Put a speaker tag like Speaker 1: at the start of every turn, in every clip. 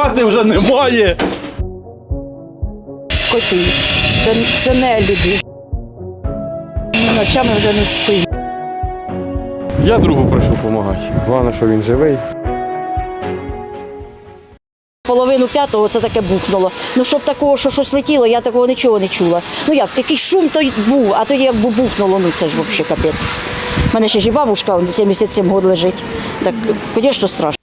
Speaker 1: Хати вже немає.
Speaker 2: Коти. Це не люди. Ми ночами вже не спимо.
Speaker 3: Я другу прийшов допомагати. Головне, що він живий.
Speaker 2: Половину п'ятого це таке бухнуло. Ну, щоб такого, що щось летіло, я такого нічого не чула. Ну як, якийсь шум то й був, а тоді як бухнуло, ну це ж взагалі капець. У мене ще ж і бабушка 77 років лежить. Так, звісно, страшно.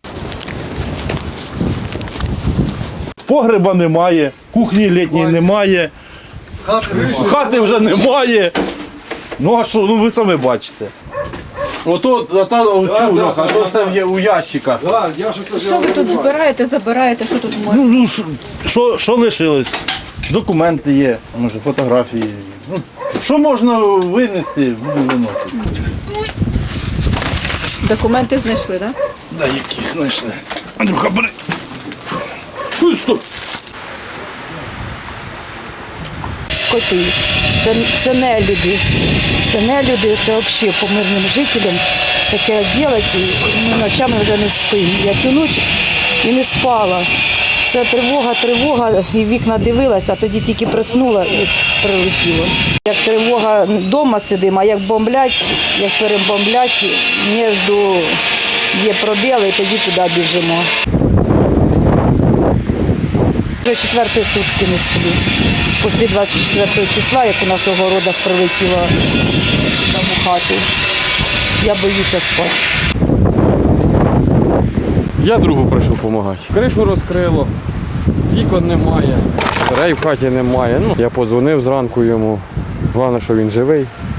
Speaker 1: Погреба немає, кухні літньої немає. Хати вже немає. Ну а що, ну ви самі бачите. Ото Льоха, то все є у ящиках.
Speaker 4: Що ви тут збираєте, забираєте, що тут можна?
Speaker 1: Ну, що лишилось? Документи є, може, фотографії. Ну, що можна винести, буду виносити.
Speaker 4: Документи знайшли, так?
Speaker 1: Да, які знайшли. Андрюха, бери. Ой, стоп.
Speaker 2: Коти. Це не люди. Це не люди, це взагалі по мирним жителям таке робити. Ми ночами вже не спимо. Я цю ніч і не спала. Це тривога, і вікна дивилася, а тоді тільки проснула і прилетіло. Як тривога, вдома сидимо, а як бомблять, як перебомблять, між є пробіли, і тоді туди біжимо. Вже 4-ті сутки не сплю. Після 24 числа, як у нас у городах прилетіло там у хату, я боюся спати.
Speaker 3: Я другу прийшов допомагати. Кришу розкрило, вікон немає, дверей в хаті немає. Ну, я подзвонив зранку йому. Головне, що він живий.